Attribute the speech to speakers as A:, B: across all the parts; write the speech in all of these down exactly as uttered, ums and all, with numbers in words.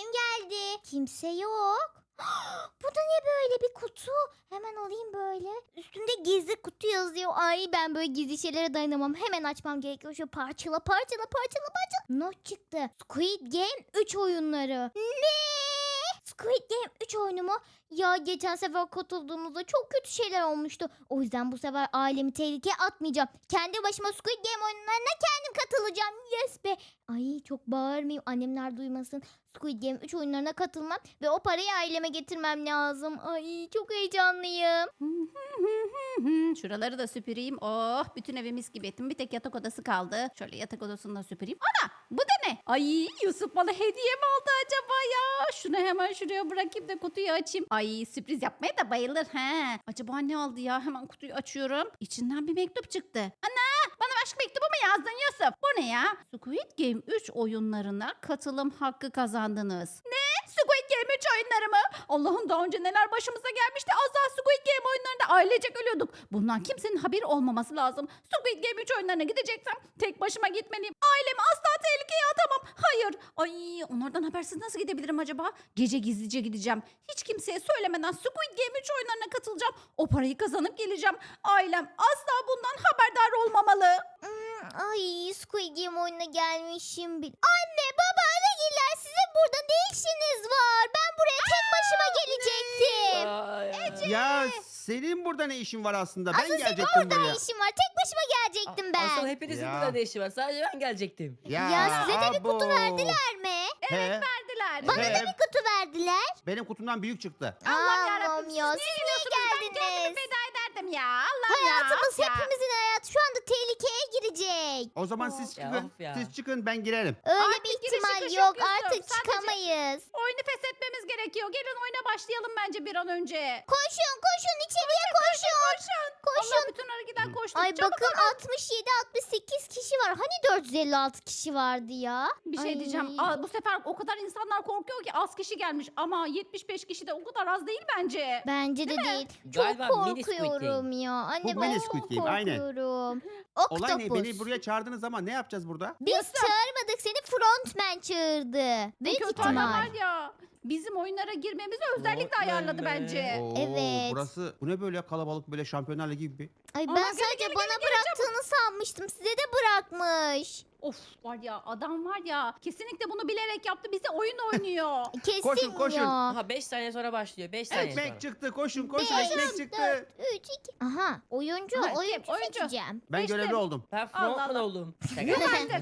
A: geldi. Kimse yok. Bu da ne böyle bir kutu? Hemen alayım böyle. Üstünde gizli kutu yazıyor. Ay ben böyle gizli şeylere dayanamam. Hemen açmam gerekiyor. Şöyle parçala parçala parçala parçala. Not çıktı. Squid Game üç oyunları. Ne? Squid Game üç oyunu mu? Ya geçen sefer katıldığımızda çok kötü şeyler olmuştu. O yüzden bu sefer ailemi tehlikeye atmayacağım. Kendi başıma Squid Game oyunlarına kendim katılacağım. Yes be. Ay çok bağırmayayım. Annemler duymasın. Squid Game üç oyunlarına katılmam ve o parayı aileme getirmem lazım. Ay çok heyecanlıyım.
B: Şuraları da süpüreyim. Oh, bütün evi mis gibi ettim. Bir tek yatak odası kaldı. Şöyle yatak odasını da süpüreyim. Ana, bu da ne? Ay, Yusuf bana hediye mi aldı acaba ya? Şunu hemen şuraya bırakayım da kutuyu açayım. Ay, sürpriz yapmaya da bayılır. He. Acaba ne aldı ya? Hemen kutuyu açıyorum. İçinden bir mektup çıktı. Ana, bana aşk mektubu mu yazdın Yusuf? Bu ne ya? Squid Game üç oyunlarına katılım hakkı kazandınız. Ne? Squid Game üç oyunları mı? Allah'ım, daha önce neler başımıza gelmişti. Az daha Squid Game oyunlarında ailecek ölüyorduk. Bundan kimsenin haberi olmaması lazım. Squid Game üç oyunlarına gideceksem tek başıma gitmeliyim. Ailemi asla tehlikeye atamam. Hayır. Ay, onlardan habersiz nasıl gidebilirim acaba? Gece gizlice gideceğim. Hiç kimseye söylemeden Squid Game üç oyunlarına katılacağım. O parayı kazanıp geleceğim. Ailem asla bundan haberdar olmamalı.
A: Hmm, ay Squid Game oyununa gelmişim bil. Anne baba Anagiller sizin burada ne işiniz var? Ben buraya tek başıma gelecektim.
C: Ay,
D: Ya senin burada ne işin var aslında? Ben
A: Asıl senin
D: gelecektim
A: orada
D: buraya.
A: ne işin var? Tek başıma gelecektim ben.
C: Asıl hepinizin
D: Ya.
C: burada ne işi var? Sadece ben gelecektim.
A: Ya size de bir kutu
D: abo.
A: verdiler mi?
D: He,
B: Verdiler.
A: Bana
D: he,
A: da bir kutu verdiler.
D: benim kutumdan büyük çıktı.
B: Allah'ım
A: Allah'ım
B: yarabbim,
A: ya
B: siz
A: siz
B: niye
A: niye
B: geliyorsunuz? Ben kendimi
A: geldiniz?
B: feda ederdim ya. Allah'ım ya.
A: Hayatımız
B: ya.
A: hepimizin hayatı şu anda tehlikeye girecek.
D: O zaman
B: Of
D: siz
C: ya,
D: çıkın.
C: of ya.
D: Siz çıkın, ben girerim.
A: Öyle
B: Artık
A: bir
B: giriş
A: ihtimal
B: çıkış
A: yok.
B: yok Yusuf.
A: Artık
B: Sadece-
A: çıkamayız.
B: Oyunu feshetmemiz gerekiyor. Gelin oyuna başlayalım bence bir an önce.
A: Koşun koşun içeriye koşun.
B: Koşun.
A: Koşun.
B: Allah bütün ara giden koştu.
A: Ay
B: Çabuk
A: bakın altmış yedi altmış sekiz kişi var. Hani dört yüz elli altı kişi vardı ya?
B: bir şey
A: Ay.
B: diyeceğim. Aa, bu sefer o kadar insanlar korkuyor ki az kişi gelmiş. Ama yetmiş beş kişi de o kadar az değil bence.
A: Bence de değil. Çok
C: Galiba mini Squid
A: korkuyorum ya. Anne
D: Bu
A: ben
D: mini
A: çok
D: Squid Game, aynen.
A: korkuyorum.
D: Olay ne?
A: Oktopus.
D: Beni buraya çağırdınız ama ne yapacağız burada?
A: Biz
B: Yusuf.
A: çağırmadık seni, frontman çağırdı.
B: Bu
A: Büyük
B: kötü
A: ihtimal.
B: adamlar ya. Bizim oyunlara girmemizi özellikle
C: Frontman
B: ayarladı
C: mi?
B: bence.
D: Oo,
A: Evet.
D: Burası bu ne böyle kalabalık, böyle Şampiyonlar Ligi gibi.
A: Ay
B: Ama
A: ben
B: gelin,
A: sadece
B: gelin,
A: bana
B: gelin,
A: bıraktığını sanmıştım. Size de bırakmış.
B: Of var ya, adam var ya, kesinlikle bunu bilerek yaptı, bize oyun oynuyor.
A: Kesin
D: Koşun, koşun.
A: ya.
C: Aha beş saniye sonra başlıyor. beş saniye
D: Ekmek
C: sonra.
D: çıktı, koşun koşun,
A: Beş,
D: ekmek çıktı.
A: dört, üç, iki. Aha oyuncu,
B: Ha, kim?
A: oyuncu,
B: Oyuncu.
A: seçeceğim.
D: Ben
B: Geçtim.
D: görevli oldum.
C: Ben
B: Allah
C: frontman
B: Allah.
C: oldum.
B: Yok artık.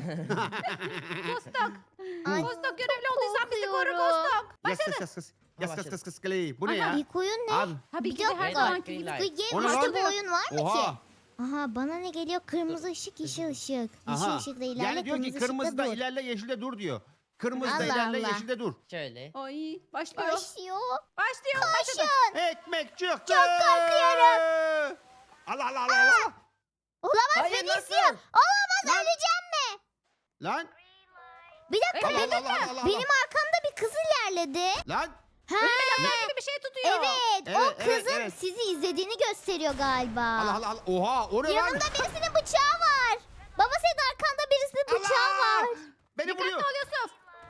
B: Kostok.
A: Ay,
B: Kostok görevli olduysan bizi koru
A: korkuyorum.
B: Kostok.
D: Yas yas yas yas. Yas yas
C: başladı.
D: yas yas kaleyi. Bu ne
B: Aha.
D: ya?
A: İlk oyun ne?
D: Abi.
B: Tabii
A: Bir
B: ki de her
A: dakika.
B: zamanki
C: Green
B: gibi.
C: light.
A: Squid
D: O
A: Game
D: ne
A: başka
D: lan?
A: bir oyun var mı ki?
D: Oha.
A: Aha bana ne geliyor? Kırmızı ışık, yeşil ışık. Yeşil
D: Aha.
A: ışıkla ilerle,
D: Yani diyor ki
A: kırmızı
D: kırmızıda
A: ışıkla dur.
D: ilerle, yeşilde dur diyor. Kırmızıda
A: Allah
D: ilerle,
A: Allah.
D: yeşilde dur.
C: Şöyle.
B: Ay başlıyor.
A: Başlıyor.
B: Başlıyor. Başladı.
D: Ekmek çıktı.
A: Çok korkuyorum.
D: Allah Allah Allah Allah.
A: Olamaz
C: Hayır,
A: beni
C: nasıl?
A: istiyor. Olamaz
D: Lan.
A: öleceğim mi?
D: Lan.
A: Bir dakika
D: Allah
A: benim,
D: Allah Allah Allah.
A: benim arkamda bir kız ilerledi.
D: Lan.
A: Ha,
B: Lazer gibi bir şey tutuyor.
A: evet, o
D: Evet, evet,
A: kızın
D: evet.
A: sizi izlediğini gösteriyor galiba.
D: Allah Allah Allah. Oha, o ne lan?
A: Yanında birisinin bıçağı var. Baba senin arkanda birisinin bıçağı
D: Allah!
A: var.
D: Beni
B: Dikkatli
D: vuruyor.
B: ol Yusuf.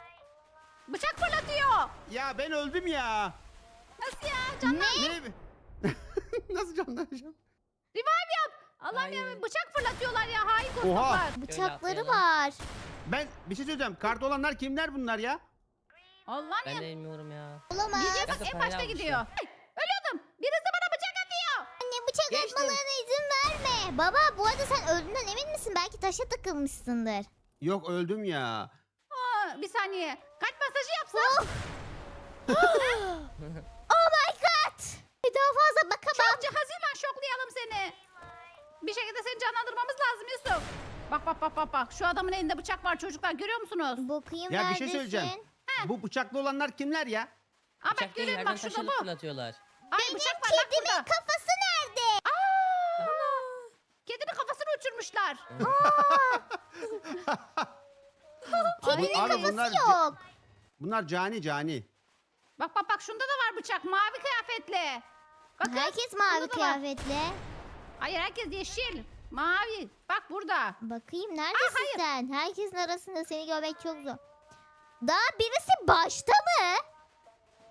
B: Bıçak fırlatıyor.
D: Ya ben öldüm ya.
B: Nasıl ya? Can
A: Ne?
D: Ne? Nasıl canlanacağım?
B: revive yap. Allah'ım
C: Hayır.
B: ya, bıçak fırlatıyorlar ya. Hain
D: Oha.
B: kostoklar.
A: Bıçakları
C: atlayalım.
A: var.
D: Ben bir şey söyleyeceğim. Kart olanlar kimler bunlar ya?
B: Allah'ım
C: Ben
B: ya.
C: de bilmiyorum ya.
A: Olamaz.
B: Gidiyor bak,
C: Nasıl
B: en
C: parayı
B: başta
C: almışlar?
B: gidiyor. Hey, ölüyordum. Birisi bana bıçak atıyor.
A: Anne bıçak
C: Geçtim.
A: atmalarına izin verme. Baba bu arada sen öldüğünden emin misin? Belki taşa takılmışsındır.
D: Yok, öldüm ya.
B: Aa, bir saniye. Kalp masajı yapsam.
A: Oh my god. Bir daha fazla bakamam.
B: Çok cihazıyla şoklayalım seni. Bir şekilde seni canlandırmamız lazım Yusuf. Bak bak bak bak bak. Şu adamın elinde bıçak var çocuklar, görüyor musunuz?
A: Bakayım
D: Ya bir
A: neredesin?
D: şey söyleyeceğim. Bu bıçaklı olanlar kimler ya?
B: Aa bak,
C: Bıçak değil,
B: görüyorum
C: yerden
B: bak, şurada
C: taşıyla
B: bu.
C: fırlatıyorlar.
B: Ay
A: Benim
B: bıçak var bak
A: kedimin
B: burada.
A: kafası nerede?
B: Kedinin kafasını uçurmuşlar.
A: Kedinin
D: Abi
A: kafası
D: bunlar-
A: yok.
D: Bunlar cani cani.
B: Bak bak bak, şunda da var bıçak, mavi kıyafetli. Bakın.
A: Herkes mavi
B: burada da var.
A: kıyafetli.
B: Hayır, herkes yeşil. Mavi. Bak burada.
A: Bakayım neredesin
B: hayır.
A: sen? Herkesin arasında seni görmek çok zor. Daha birisi başta mı?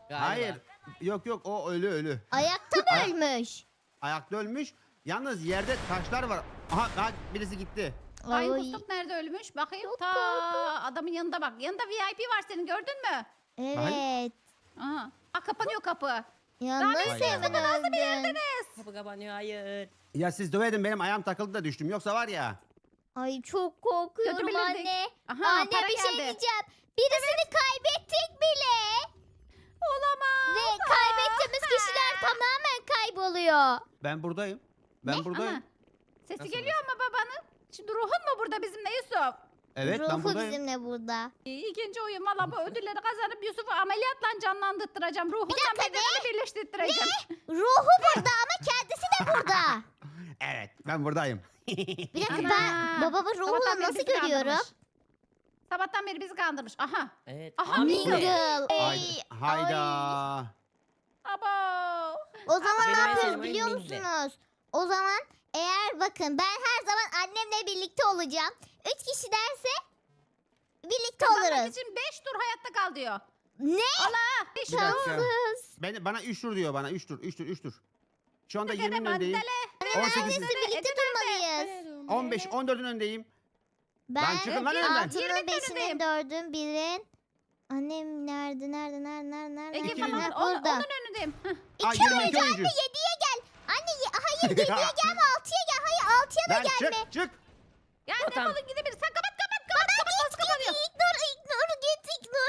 C: Galiba.
D: Hayır. Yok yok o ölü ölü.
A: Ayakta mı
D: Ay-
A: ölmüş?
D: Ayakta ölmüş. Yalnız yerde taşlar var. Aha, aha birisi gitti.
B: Ay
A: Ay,
B: Kustuk nerede ölmüş? Bakayım.
A: Çok
B: Ta
A: korkunç.
B: adamın yanında bak. Yanında V I P var senin gördün mü?
A: evet.
B: Aha. Aa, kapanıyor kapı.
A: Ya
B: Daha
A: nasıl
D: benim
A: hemen öldün?
C: Kapı kapanıyor hayır.
D: Ya siz dövedin benim ayağım takıldı da düştüm. Yoksa var ya.
A: Ay çok korkuyorum
B: Götürebilirdik.
A: anne.
B: Aha,
A: Anne
B: para
A: bir şey
B: geldi.
A: diyeceğim. Birisini kaybettik bile.
B: Olamaz.
A: Ve kaybettiğimiz kişiler tamamen kayboluyor.
D: Ben buradayım. Ben buradayım.
B: Aha. Sesi
C: Nasıl
B: geliyor mu babanın? Şimdi ruhun mu burada bizimle Yusuf?
D: Evet ben
A: Ruhu
D: buradayım.
A: bizimle burada.
B: İyi, İkinci oyun valla bu ödülleri kazanıp Yusuf'u ameliyatla canlandırtıracağım. Ruhunla
A: dakika,
B: bedenini birleştireceğim.
A: Ruhu burada ama kendisi de burada.
D: Evet ben buradayım.
A: Bir dakika
B: Ana.
A: ben babamın ruhunu
B: Sabahtan beri
A: nasıl
B: bizi
A: görüyorum?
B: kandırmış. Sabahtan beri bizi kandırmış. Aha.
C: Evet.
B: Aha,
C: Abi,
B: Mingle.
C: bu ne?
A: Mingle.
D: Hayda.
A: Ay,
D: Hayda.
A: ay.
B: Abo.
A: O zaman
C: Benim
A: ne
C: en
A: yapıyoruz
C: sevdiğim
A: biliyor
C: oyun Mingle.
A: musunuz? O zaman eğer bakın ben her zaman annemle birlikte olacağım. Üç kişi derse birlikte
B: Kazanmak
A: oluruz.
B: için beş tur hayatta kal diyor.
A: Ne?
B: Allah. Beş
D: Bir
B: tur.
D: dakika.
A: Şanssız.
D: Ben, bana üç tur diyor bana. üç tur. üç tur. üç tur. Şu anda
B: Gene
D: yirminin öndeyim.
B: mandale.
D: on sekiz.
A: Neredeyse birlikte durmalıyız.
D: on beş. on dördün öndeyim.
A: Ben
D: Lan çıkın lan önümden.
A: altının,
B: Yirminin
A: beşinin,
B: önündeyim.
A: dördün, birin. Annem nerede, nerede, nerede, nerede, nerede?
B: Ege
D: İki
B: falan
A: Ha,
B: onun,
A: burada.
B: onun önündeyim. Heh.
D: Aa,
A: İki
D: yirmi
A: oyuncu
D: iki oyuncu.
A: anne yediye gel. Anne ye- hayır yediye gelme altıya gel. Hayır altıya da
D: Lan
A: gelme.
D: çık çık.
B: Ya
C: O tam-
B: defolun gidebilir. Sen kapat kapat kapat. kapat nasıl kapanıyor?
A: İgnor, ignor, git ignor.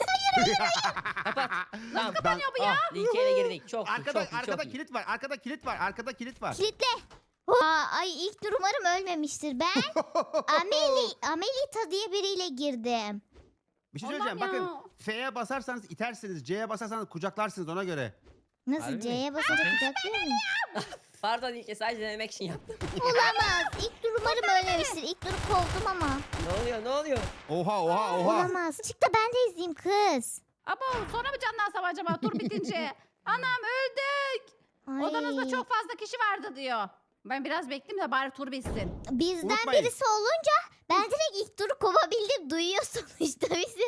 C: Kapat. Tamam.
B: kapanıyor bu ya?
C: Ah, ilk eve girdik. Çok iyi,
D: Arkada
C: çok iyi,
D: arkada
C: çok iyi.
D: kilit var. Arkada kilit var. Arkada kilit var.
A: Kilitle. Aa, ay ilk dur umarım ölmemiştir. Ben Ameli, Amelita diye biriyle girdim.
D: Bir şey
B: Allah'ım
D: söyleyeceğim.
B: ya.
D: Bakın F'ye basarsanız itersiniz. C'ye basarsanız kucaklarsınız ona göre.
A: Nasıl
C: Harbi mi?
A: C'ye basınca kucaklıyor mu?
C: Pardon ilk sadece denemek için yaptım.
A: Olamaz. İlk dur umarım ölmemiştir. İlk duru kovdum ama.
C: Ne oluyor ne oluyor?
D: Oha oha oha.
A: Olamaz. Çık da ben de izleyeyim kız.
B: Abo sonra mı canlansam acaba tur bitince? Anam öldük.
A: Ay.
B: Odanızda çok fazla kişi vardı diyor. Ben biraz bekleyeyim de bari tur bitsin.
A: Bizden
D: Unutmayın.
A: birisi olunca ben direkt ilk turu kovabildim. Duyuyor sonuçta bizi.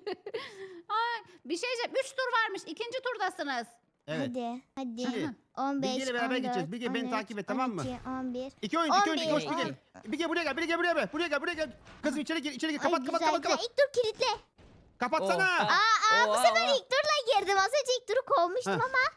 B: Ay, bir şey diyeceğim. Üç tur varmış. İkinci turdasınız.
D: Evet.
A: Hadi. Hadi.
D: Şimdi,
A: on beş,
D: Bilge'yle beraber
A: on dört,
D: gideceğiz. Bilge, beni
A: on üç,
D: takip et, tamam mı?
A: on iki, on bir.
D: İki oyuncu, iki oyuncu, iki
A: on
D: oyuncu.
A: bir,
D: Bilge. Bilge buraya gel, Bilge buraya gel. Buraya gel, buraya gel. Kızım içeri gir, içeri gir. Kapat,
A: Ay,
D: kapat,
A: güzel,
D: kapat,
A: güzel.
D: kapat.
A: İlk dur kilitle.
D: Kapatsana.
C: Oha.
A: Aa, aa bu
C: Oha,
A: sefer
C: oha.
A: ilk turla girdim. Az önce ilk turu kovmuştum
D: Ha.
A: ama.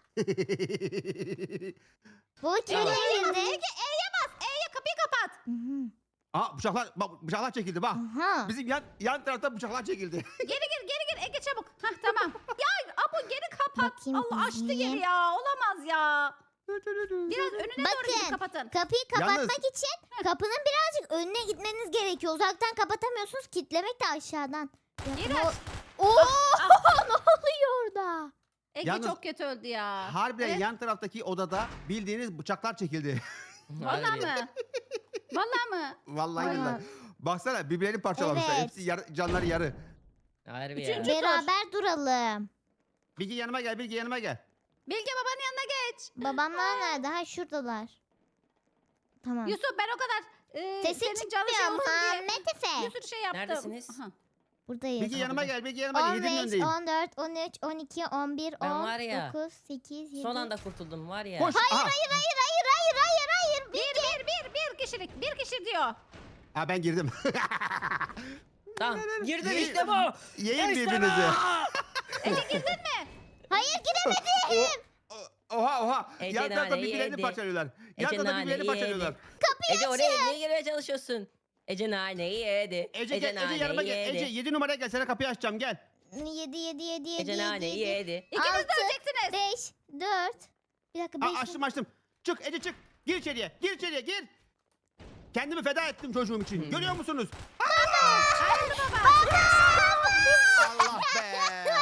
A: Bu kime
C: Yavaş.
A: girdi?
B: Ege E'ye bas. E'ye kapıyı kapat.
A: Hı hı.
D: Aa bıçaklar, bak bıçaklar çekildi bak.
A: Aha.
D: Bizim yan yan tarafta bıçaklar çekildi.
B: Geri gir geri gir. Ege çabuk. Hah tamam. Ya Abo geri kapat.
A: Bakayım,
B: Allah açtı
A: izleyeyim.
B: geri ya. Olamaz ya. Biraz önüne doğru gidip
A: Bakın.
B: kapatın.
A: Kapıyı kapatmak
D: Yalnız-
A: için kapının birazcık önüne gitmeniz gerekiyor. Uzaktan kapatamıyorsunuz. Kitlemek de aşağıdan. Ya,
B: Geri
A: o-
B: aç.
A: Oo! ne oluyor orada?
B: Ege
D: Yalnız-
B: çok kötü öldü ya.
D: Harbiden
B: Evet.
D: yan taraftaki odada bildiğiniz bıçaklar çekildi.
B: Vallahi
C: Harbi.
B: mı? Vallahi mı?
D: Vallahi
A: Aynen.
D: billahi. Baksana birbirlerini parçalamışlar.
A: Evet.
D: Hepsi yar- canları yarı.
C: Harbi ya.
B: Üçüncü- tur.
A: Beraber duralım.
D: Bilge yanıma gel, Bilge yanıma gel.
B: Bilge babanın yanına geç.
A: Babamlar nerede? Ha şuradalar. Tamam.
B: Yusuf ben o kadar e,
A: Sesin
B: senin canın şey
A: çıkmıyor
B: olsun diye
A: Muhammed Efe.
B: bir sürü şey yaptım.
C: Neredesiniz?
B: Aha.
A: Buradayız.
D: Bilge yanıma gel, Bilge yanıma gel. Yedinin
A: on beş,
D: öndeyim.
A: on dört, on üç, on iki, on bir,
C: Ben
A: on,
C: var ya,
A: dokuz, sekiz, yedi.
C: Son anda kurtuldum var ya.
D: Koş.
A: Hayır,
D: Aha.
A: hayır, hayır, hayır, hayır, hayır, hayır.
B: Bir, bir, bir, bir kişilik. Bir kişi diyor.
D: Ha ben girdim.
C: Tamam. Girdim
D: Ye-
C: işte bu.
D: Yiyin
C: İşte
D: birbirinizi.
C: bu.
B: Ege girdin mi?
A: Hayır giremedim.
D: O- Oha oha.
C: Ece
D: Yan tarafta
C: naneyi
D: birbirlerini
C: yedi.
D: parçalıyorlar. Yan
C: Ece
D: tarafta birbirlerini
C: naneyi
D: parçalıyorlar.
C: yedi. Ece oraya niye girmeye çalışıyorsun? Ece naneyi yedi.
D: Ece gel, Ece
C: naneyi
D: yanıma gel.
C: yedi.
D: Ece yedi numaraya gel. Sana kapıyı açacağım gel.
A: Yedi, yedi, yedi, yedi,
C: Ece
A: yedi,
C: naneyi
A: yedi.
C: yedi.
B: İkiniz de
A: Altı,
B: öleceksiniz.
A: beş, dört. Bir dakika
D: Aa,
A: beş.
D: açtım açtım. Çık Ece çık. Gir içeriye. Gir içeriye gir. Kendimi feda ettim çocuğum için.
C: Hmm.
D: Görüyor musunuz?
B: Hayırlı baba.
D: Allah be.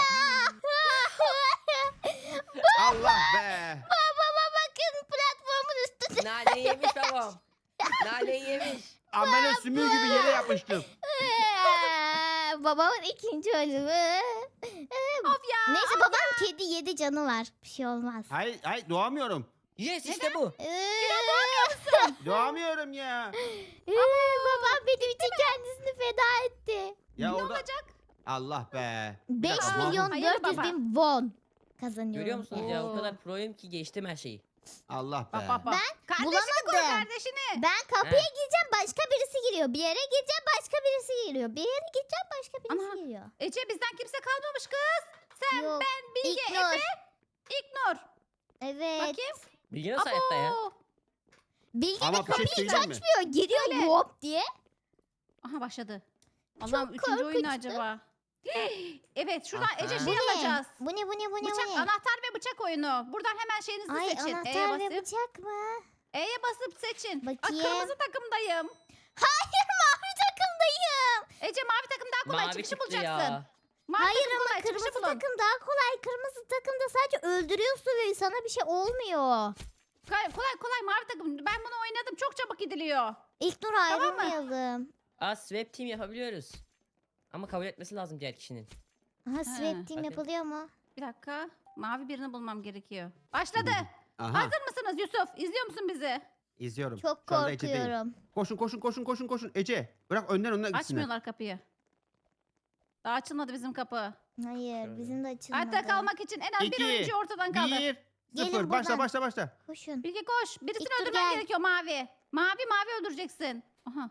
D: Allah be.
A: Babama bakın platformun üstünde.
C: Naneyi yemiş babam. Naneyi yemiş.
D: Amele sümüğü gibi yere yapıştım.
A: Babamın ikinci ölümü.
B: Of ya.
A: Neyse babam kedi yedi canı var. Bir şey olmaz.
D: Hayır hayır doğamıyorum.
C: Yes işte bu.
D: Doğamıyorum ya.
A: Ee, babam benim için kendisini feda etti.
D: Ya
B: Ne
D: orada
B: olacak?
D: Allah be. Bir
A: beş
D: dakika, bu-
A: milyon
B: Hayır
A: dört yüz
B: baba.
A: bin won kazanıyorum.
C: Görüyor musunuz ya? O
B: Oo.
C: kadar proyum ki geçtim her şeyi.
D: Allah be.
B: Bak bak bak. Kardeşini koy
A: bulamadım.
B: kardeşini.
A: Ben kapıya
C: He.
A: gireceğim başka birisi giriyor. Bir yere gireceğim başka birisi giriyor. Bir yere gideceğim başka birisi
B: Ana.
A: giriyor.
B: Ece bizden kimse kalmamış kız. Sen,
A: Yok.
B: ben, Bilge,
A: İlknur.
B: Efe, İlknur.
A: Evet.
B: Bakayım.
C: Bilgi nasıl hayatta ya?
B: Abo.
A: Bilge de
D: Ama bir şey
A: kapıyı hiç
D: söyleyeyim mi?
A: açmıyor. Giriyor
B: Öyle.
A: hop diye.
B: Aha başladı. Allah'ım üçüncü oyun ne
A: korkunçtu.
B: acaba? Evet şuradan
D: Aha.
B: Ece
A: Bu
B: şey
A: ne?
B: alacağız.
A: Bu ne bu ne bu ne
B: Bıçak,
A: bu ne?
B: anahtar ve bıçak oyunu. Buradan hemen şeyinizi
A: Ay
B: seçin. E'ye
A: anahtar ve
B: basıp.
A: bıçak mı?
B: E'ye basıp seçin. Aa,
A: Bakayım.
B: kırmızı takımdayım.
A: Hayır mavi takımdayım.
B: Ece mavi takım daha kolay
C: Mavi
B: çıkışı
C: çıktı
B: bulacaksın.
C: ya.
B: Mavi
A: Hayır
B: takım
A: ama
B: kolay çıkışı
A: kırmızı
B: bulun.
A: takım daha kolay. Kırmızı takımda sadece öldürüyorsun ve sana bir şey olmuyor.
B: Kolay kolay, kolay mavi takım. Ben bunu oynadım. Çok çabuk gidiliyor.
A: İlk nur
B: Tamam mı?
A: ayrılmayalım.
C: Aa swap team yapabiliyoruz. Ama kabul etmesi lazım diğer kişinin.
A: Aha swap team
C: Hadi.
A: yapılıyor mu?
B: Bir dakika. Mavi birini bulmam gerekiyor. Başladı.
D: Aha.
B: Hazır mısınız Yusuf? İzliyor musun bizi?
D: İzliyorum.
A: Çok
D: Şu anda Ece'deyim.
A: korkuyorum.
D: Koşun koşun koşun koşun koşun. Ece bırak önden önden gitsinler.
B: Açmıyorlar kapıyı. Daha açılmadı bizim kapı.
A: Hayır
C: Şöyle.
A: bizim de açılmadı.
B: Hayatta kalmak için en az
D: İki,
B: bir oyuncu ortadan kaldı.
D: Bir.
A: Gelin
D: Sıfır. Başla
A: buradan.
D: başla başla.
A: Koşun.
B: Bilge koş. Birisini
A: İlk dur
B: öldürmen
A: gel.
B: gerekiyor mavi. Mavi mavi öldüreceksin. Aha.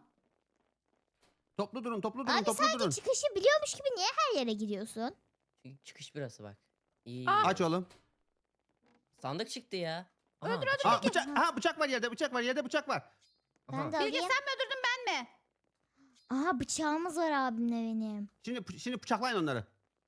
D: Toplu durun toplu durun
A: Abi
D: toplu
A: sanki
D: durun.
A: çıkışı biliyormuş gibi niye her yere gidiyorsun?
C: Çünkü çıkış burası bak. İyi.
B: Aa.
D: Aç oğlum.
C: Sandık çıktı ya. Aha,
B: Öldür, öldür,
D: Aa, bıçak, ha, bıçak var yerde bıçak var yerde bıçak var.
A: Ben de
B: Bilge
A: alayım.
B: sen mi öldürdün ben mi?
A: Aha bıçağımız var abimle benim.
D: Şimdi şimdi bıçaklayın onları.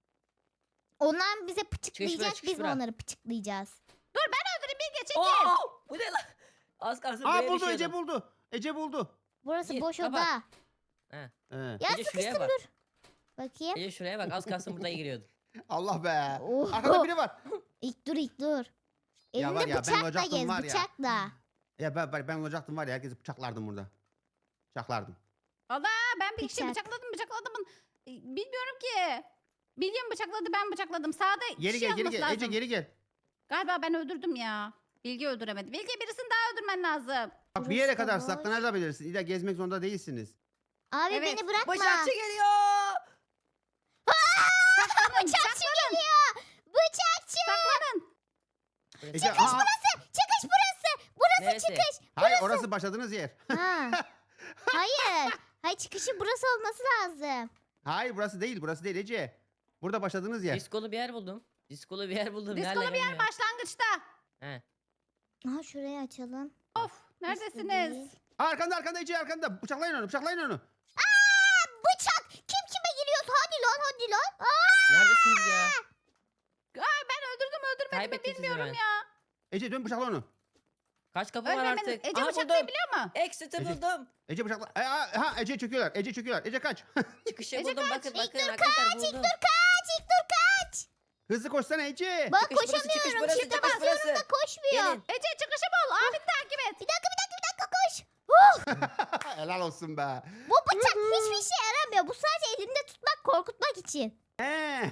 A: Onlar bize pıçıklayacak
C: çıkış
A: biz
C: bura.
A: onları pıçıklayacağız.
B: Öldürün Bilge çekil.
C: Oo, bu ne lan? Az kalsın
D: Aa
C: buraya
D: buldu Ece
C: düşüyordum.
D: buldu. Ece buldu.
A: Burası
C: Gir,
A: boş
C: kapat.
A: oda.
C: He.
D: He.
A: Ya
C: Ece şuraya
A: sıkıştım
C: bak.
A: dur. Bakayım.
C: Ece şuraya bak az kalsın burada giriyordun.
D: Allah be.
A: Oh.
D: Arkada biri var.
A: İlk dur ilk dur.
D: Ya
A: Elinde
D: var ya, ben
A: bıçakla
D: olacaktım
A: gez
D: var ya.
A: bıçakla.
D: Ya ben, ben, ben olacaktım var ya herkesi bıçaklardım burada. Bıçaklardım.
B: Valla ben bir kişi
A: Bıçak.
B: bıçakladım bıçakladım. E, Bilmiyorum ki. Bilge mi bıçakladı ben bıçakladım. Sağda
D: Geri
B: kişi
D: gel geri
B: yazması
D: gel.
B: lazım.
D: Ece geri gel.
B: Galiba ben öldürdüm ya. Bilge öldüremedi. Bilge birisini daha öldürmen lazım.
D: Bak bir yere
A: Burası da
D: kadar
A: boş.
D: saklanabilirsin. İlla gezmek zorunda değilsiniz.
A: Abi
B: Evet,
A: beni bırakma.
C: Bıçakçı geliyor.
B: Saklanın,
A: Bıçakçı
B: saklanın,
A: geliyor. Bıçakçı.
B: saklanın.
D: Ece, aa,
A: Çıkış burası. Burası
C: Neresi?
A: çıkış.
D: hayır orası başladığınız yer.
A: Ha. Hayır. Hayır çıkışı burası olması lazım.
D: Hayır burası değil burası değil Ece. Burada başladığınız yer.
C: Diskolu bir yer buldum. Diskolu bir yer buldum.
B: Diskolu
C: Nerede
B: bir yer
C: bilmiyorum.
B: başlangıçta.
C: He.
A: Aha şurayı açalım.
B: Of neredesiniz?
A: değil.
D: Aa, arkanda arkanda Ece arkanda. Bıçaklayın onu bıçaklayın onu.
A: Aa, bıçak. Kim kime giriyorsa hadi lan hadi lan. Aa,
C: Neredesiniz ya?
B: Aa, ben öldürdüm öldürmedim mi
C: Kaybettik sizi
B: bilmiyorum
C: ben.
B: ya.
D: Ece dön bıçakla onu.
C: Kaç kapı var
B: Ölmemenin.
C: artık?
B: Ece
C: Aha,
B: bıçaklayabiliyor mu?
C: Exit'i
D: Ece-
C: buldum.
D: Ece bıçakla. E, aa, ha Ece çöküyorlar. Ece çöküyorlar. Ece kaç.
C: Çıkışı
B: Ece
C: buldum.
B: kaç.
C: Bakın
A: İlk
C: bakın
A: dur
C: arkadaşlar
A: kaç,
C: buldum.
A: ilk dur kaç, ilk dur kaç.
D: Hızlı koşsana Ece.
A: Bak
C: Çıkış burası, çıkış
A: koşamıyorum.
C: burası,
A: Çifte
C: çıkış
A: basıyorum
C: burası.
A: da koşmuyor.
C: Gelin.
B: Ece çıkışı bul. Abini takip et.
A: Bir dakika bir dakika bir dakika koş.
D: Helal olsun be.
A: Bu bıçak hiçbir şey yaramıyor. Bu sadece elimde tutmak korkutmak için.
D: He.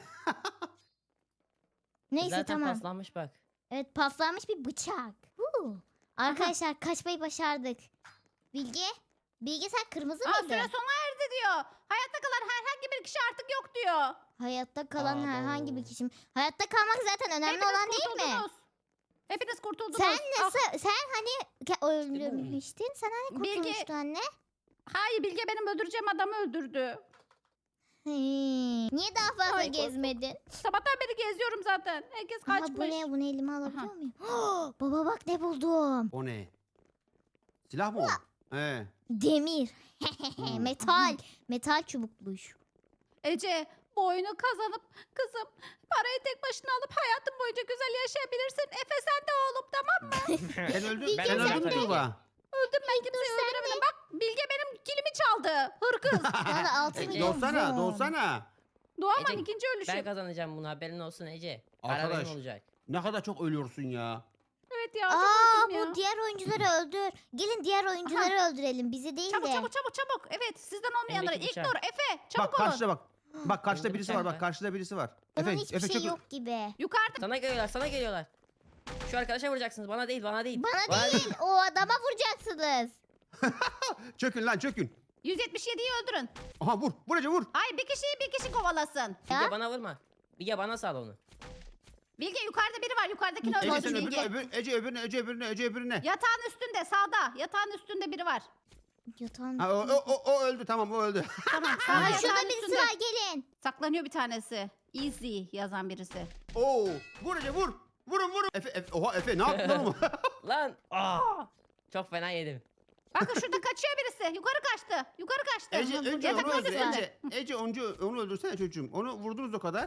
A: Neyse
C: Zaten
A: tamam.
C: paslanmış bak.
A: Evet paslanmış bir bıçak. Huu. Arkadaşlar kaçmayı başardık. Bilge? Bilge sen kırmızı
B: Aa,
A: mıydın?
B: süre sona erdi diyor. Hayatta kalan herhangi bir kişi artık yok diyor.
A: Hayatta kalan
C: Abo.
A: herhangi bir kişi. Hayatta kalmak zaten önemli
B: Hepiniz
A: olan değil mi?
B: kurtuldunuz. Hepiniz kurtuldunuz.
A: Sen
B: Ah,
A: nasıl, sen hani ke- öldürmüştün. Sen hani
B: Bilge-
A: kurtulmuştun anne.
B: hayır Bilge benim öldüreceğim adamı öldürdü.
A: Hmm. Niye daha fazla
B: Ay, korktum.
A: gezmedin?
B: Sabahtan beri geziyorum zaten. Herkes
A: Aha,
B: kaçmış.
A: bu ne? Bunu elime alabiliyor
B: Aha.
A: muyum? Baba bak ne buldum.
D: O ne? Silah mı o? He.
A: Demir.
D: Hmm.
A: Metal. Metal çubukmuş.
B: Ece bu oyunu kazanıp kızım parayı tek başına alıp hayatın boyunca güzel yaşayabilirsin. Efe sen de oğlum tamam mı?
D: Sen öldün,
A: Bilge
D: sen
C: sen
D: öldün mü
C: de.
D: Tuğba?
B: Öldüm ben kimseyi
A: sen
B: öldüremedim. Bak Bilge benim kilimi çaldı. Hırkız.
A: Bana da altı
C: Ece,
A: milyon
D: Dolsana,
A: won.
D: dolsana.
B: Doğaman
C: Ece,
B: ikinci ölüşüm.
C: Ben kazanacağım bunu haberin olsun Ece. Para
D: Arkadaş.
C: benim olacak.
D: Ne kadar çok ölüyorsun ya.
B: Evet ya çok
A: Aa
B: öldüm ya.
A: bu diğer oyuncuları öldür. Gelin diğer oyuncuları öldürelim. Bizi değil
B: Çabuk
A: de.
B: çabuk çabuk çabuk. Evet sizden olmayanları.
C: Elimdeki
B: İlknur,
C: bıçak.
B: Efe çabuk
D: Bak
B: olun.
D: karşıda bak. Bak karşıda
C: Elimde
D: birisi
C: bıçak
D: var bak
C: var.
D: karşıda birisi var.
A: Bunun
D: Efe,
A: hiçbir
D: Efe
A: şey
D: çökün.
A: yok gibi.
B: Yukarıda.
C: Sana geliyorlar sana geliyorlar. Şu arkadaşa vuracaksınız bana değil bana değil.
A: Bana değil o adama vuracaksınız.
D: Çökün lan çökün.
B: yüz yetmiş yediyi öldürün.
D: Aha vur. Vur Ece vur.
B: Hayır bir kişiyi bir kişi kovalasın.
A: Ya.
C: Bilge bana vurma. Bilge bana sal onu.
B: Bilge yukarıda biri var. Yukarıdakini
D: Ece
B: öldürdü
D: sen öbürüne,
B: Bilge.
D: öbür, Ece öbürüne, Ece öbürüne, Ece öbürüne.
B: Yatağın üstünde sağda. Yatağın üstünde biri var.
A: Yatağın.
D: Ha, o, o, o, o öldü tamam o öldü.
B: Tamam. Sağda
A: Aa,
B: yatağın
A: şurada birisi
B: üstünde.
A: var gelin.
B: Saklanıyor bir tanesi. Easy yazan birisi.
D: Oo, vur Ece vur. Vurun vurun. Efe, Efe, oha Efe ne yaptın oğlum?
C: Lan. Aa, çok fena yedim.
B: Bakın şurada kaçıyor birisi. Yukarı kaçtı. Yukarı kaçtı.
D: Ece
B: Hı,
D: önce
B: yatak
D: onu öldür.
B: odasında.
D: Ece, Ece oncu, onu öldürsene çocuğum. Onu vurdunuz o kadar.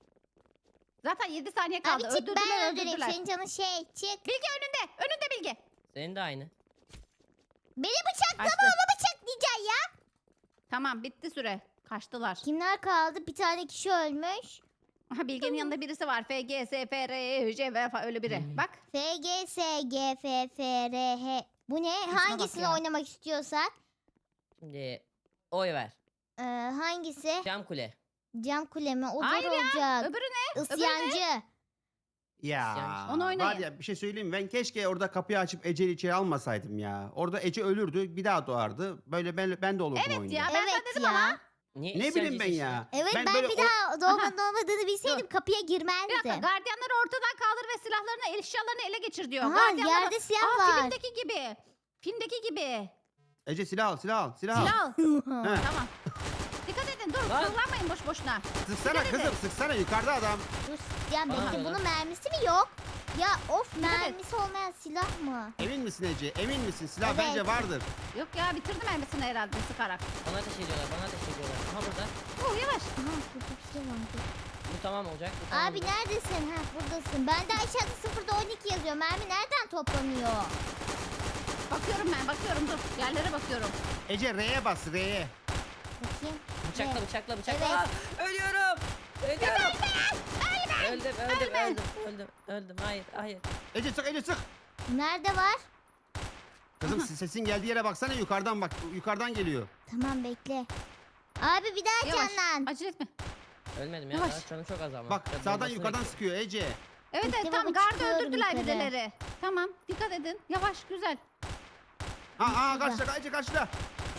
B: Zaten yedi saniye kaldı.
A: Abi çık
B: öldürdüler
A: ben öldüreyim.
B: öldürdüler.
A: Senin canın şey çık.
B: Bilge önünde. Önünde Bilge.
C: Senin de aynı.
A: Beni bıçaklama
B: Kaçtı.
A: onu bıçaklayacaksın ya.
B: Tamam bitti süre. Kaçtılar.
A: Kimler kaldı? Bir tane kişi ölmüş.
B: Aha, Bilge'nin yanında birisi var. F, G, S, F, R, E, J, V falan öyle biri.
C: Hmm.
B: Bak.
A: F, G, S, G, F, F, R, H. Bu ne?
B: bak
A: Hangisini
B: ya.
A: oynamak istiyorsak?
C: Şimdi oy ver.
A: Ee, hangisi?
C: Cam kule.
A: Cam kule mi? O zor
B: Hayır ya,
A: olacak.
B: Öbürü ne?
A: Isyancı.
D: Ya
C: Yani
B: onu oynayın.
D: var ya bir şey söyleyeyim mi? Ben keşke orada kapıyı açıp Ece'yi içeri almasaydım ya. Orada Ece ölürdü bir daha doğardı. Böyle ben, ben de olurdum
B: Evet
D: oyunda.
B: ya ben
A: Evet
B: sana dedim
A: ya.
B: ama.
C: Niye
D: Ne bileyim ben
C: isyancısın?
D: ya.
A: Evet ben,
D: böyle
A: bir
D: o-
A: daha doğmanın olmadığını bilseydim
B: Dur.
A: kapıya
B: Bir dakika
A: girmezdim.
B: gardiyanları ortadan kaldır ve silahlarını, eşyalarını ele geçir diyor.
A: Aha
B: Gardiyanları...
A: yerde silah
B: Aa,
A: var.
B: filmdeki gibi. Filmdeki gibi.
D: Ece silah al silah al silah al.
B: Silah al.
D: He.
B: Tamam. Dikkat edin dur.
C: Lan.
B: Kullanmayın boş boşuna.
D: Sıksana
B: Dikkat edin.
D: kızım sıksana yukarıda adam.
A: Dur, ya
C: Bana
A: bekle
C: diyorlar.
A: bunun mermisi mi yok? Ya of
B: Evet.
A: mermisi olmayan silah mı?
D: Emin misin Ece? Emin misin? Silah
A: Evet.
D: bence vardır.
B: Yok ya bitirdim elbisini herhalde sıkarak.
C: Bana ateş ediyorlar, bana ateş ediyorlar. Aha burada.
B: Oh yavaş.
A: Aha burada bir şey var. dur.
C: Bu tamam olacak. Bu tamam
A: Abi
C: olacak.
A: neredesin? Ha buradasın. Bende aşağıda sıfırda on iki yazıyor. Mermi nereden toplanıyor?
B: Bakıyorum ben bakıyorum dur. Yerlere bakıyorum.
D: Ece R'ye bas R'ye.
A: Bakayım.
C: Bıçakla
A: Evet.
C: bıçakla bıçakla.
A: Evet.
C: Aa, ölüyorum. Ölüyorum. Öldüm öldüm öldüm öldüm öldüm. Hayır hayır.
D: Ece sık Ece sık.
A: Nerede var?
D: Kızım sesin geldiği yere baksana yukarıdan bak. Yukarıdan geliyor.
A: Tamam bekle. Abi bir daha
B: Yavaş.
A: canlan.
B: Acele etme.
C: Ölmedim ya.
B: Yavaş.
C: Daha canım çok az ama.
D: Bak
C: Biraz
D: sağdan
C: dolmasını
D: yukarıdan
C: bekliyorum.
D: sıkıyor Ece.
B: Evet
A: Bekle
B: evet tam
A: baba,
B: gardı
A: çıkıyorum
B: öldürdüler
A: yukarı.
B: birileri. Tamam dikkat edin. Yavaş güzel.
D: Ha aa
A: Şurada.
D: karşıda Ece karşıda.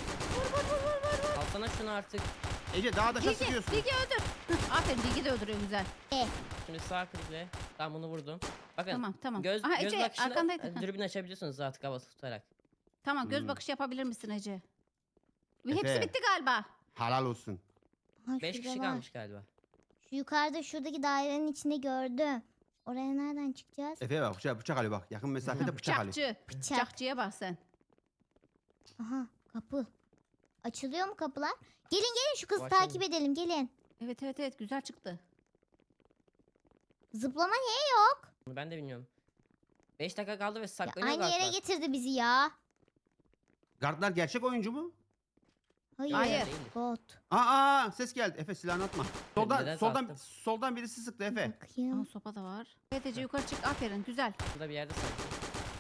C: Alsana şunu artık.
D: Ece daha da
B: Bilge,
D: sıkıyorsun.
B: Bilge öldür. Hıh, Aferin Bilge de öldürüyor güzel.
C: Şimdi sağ klikle. Tamam bunu vurdum. Bakın.
B: Tamam tamam.
C: Göz,
B: Aha
C: göz
B: Ece
C: bakışını
B: arkandaydı.
C: e,
B: Hah,
C: dürbün açabiliyorsunuz artık havası tutarak.
B: Tamam göz
D: Hmm.
B: bakışı yapabilir misin Ece? Ve
D: Efe.
B: hepsi bitti galiba.
D: Helal olsun.
A: Ha,
C: Beş
A: şurada
C: kişi
A: var.
C: kalmış galiba.
A: Şu yukarıda şuradaki dairenin içinde gördüm. Oraya nereden çıkacağız?
D: Efe bak bıçak, bıçak Ali bak. Yakın mesafede bıçak Ali.
B: Bıçakçı. Bıçakçıya bak sen.
A: Aha kapı. Açılıyor mu kapılar? Gelin gelin şu kızı
C: Bu açıldı.
A: takip edelim gelin.
B: Evet evet evet güzel çıktı.
A: Zıplama niye yok?
C: Bunu ben de bilmiyorum. beş dakika kaldı ve
A: Ya
C: saklanıyor
A: aynı yere
C: galiba.
A: getirdi bizi ya.
D: Gardlar gerçek oyuncu mu?
A: Hayır.
B: Hayır.
C: Değildir.
A: Bot.
D: Aa, aa ses geldi. Efe silahını atma. Soldan
C: Neden
D: soldan
C: sattın?
D: soldan birisi sıktı Efe.
B: Aa,
A: Bakayım.
B: sopa da var. Evet Ece yukarı çık aferin güzel.
C: Burada bir yerde sanki.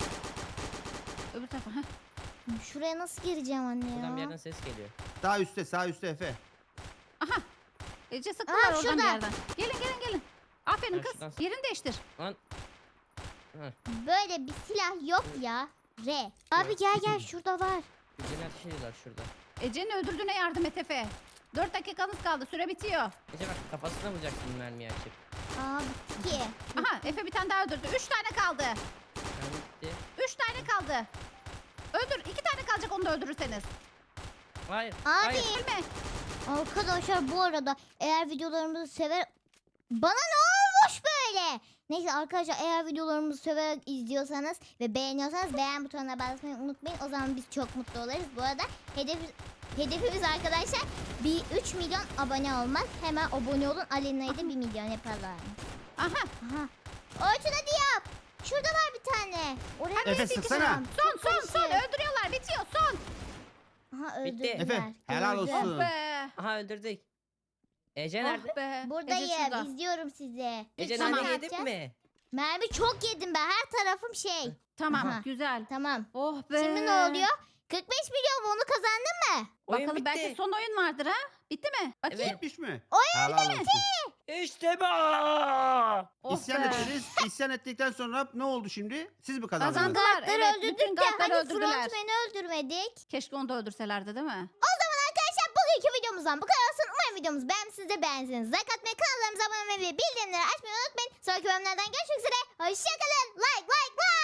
B: Öbür tarafa. Heh.
A: Şuraya nasıl gireceğim anne
C: Buradan bir
A: ya?
C: yerden ses geliyor.
D: Sağ üstte sağ üstte Efe.
B: Aha. Ece sıktılar
A: Aa,
B: oradan
A: şurada.
B: bir yerden. Gelin gelin gelin. Aferin
C: Ha,
B: kız.
C: şuradan.
B: Yerini değiştir.
C: Lan.
A: Böyle bir silah yok ya. R. Abi gel gel şurada var.
C: Birbirini ateş ediyorlar şurada.
B: Ece'nin öldürdüğüne yardım et Efe. Dört dakikanız kaldı. Süre bitiyor.
C: Ece bak kafasına vuracaksın mermiyi açıp.
A: Aa bitti ki.
B: Aha Efe bir tane daha öldürdü. Üç tane kaldı.
C: Mermi bitti.
B: Üç tane kaldı. Öldür. İki tane kalacak onu da öldürürseniz.
C: Hayır.
A: Abi.
C: Hayır.
B: Ölme.
A: Arkadaşlar bu arada eğer videolarımızı sever... Bana ne olmuş böyle? Neyse arkadaşlar eğer videolarımızı severek izliyorsanız ve beğeniyorsanız beğen butonuna basmayı unutmayın. O zaman biz çok mutlu oluruz. Bu arada hedef, hedefimiz arkadaşlar bir üç milyon abone olmak. Hemen abone olun. Alena'yı da bir milyon yapalım.
B: Aha.
A: Aha. Orçun hadi yap. Şurada var bir tane. Oraya
D: Efe,
A: nasıl
D: sıksana.
A: gideceğim?
B: Son
A: Çok
B: son son.
A: karışık.
B: Öldürüyorlar. Bitiyor. Son.
A: Aha
C: Bitti.
A: öldürdüler.
D: Efe, helal
A: Gördüm.
D: olsun.
B: Oh be.
C: Aha öldürdük. Ece nerede?
B: Oh be. Ece
A: Buradayım.
B: şurada.
A: İzliyorum sizi.
C: Ece
A: Tamam.
C: nane
A: Ne
C: yedin
A: yapacağız?
C: mi?
A: Mermi çok yedim ben. Her tarafım şey.
B: Tamam
A: Aha.
B: güzel.
A: Tamam.
B: Oh be.
A: Şimdi ne oluyor? kırk beş milyon mu? Onu kazandın mı?
C: Oyun
B: Bakalım
C: bitti.
B: belki son oyun vardır ha? Bitti mi? Bakayım.
C: Evet.
D: Bitmiş mi?
A: Oyun
D: Helal olsun.
C: İşte bu.
B: Oh
D: İsyan
B: be.
D: ettiniz. İsyan ettikten sonra ne oldu şimdi? Siz mi kazandınız?
B: Kazandılar.
A: Gatları
B: Evet,
A: öldürdük
B: bütün
A: de
B: gatları
A: hani
B: öldürdüler.
A: frontmeni öldürmedik.
B: Keşke onu da öldürselerdi değil mi?
A: O zaman arkadaşlar bugünkü videomuz videomuzdan bu kadar olsun. Umarım videomuzu beğenmişsiniz de beğensiniz. Like atmayı, kanallarımıza abone olmayı ve bildirimleri açmayı unutmayın. Sonraki bölümlerden görüşmek üzere. Hoşçakalın. Like like like.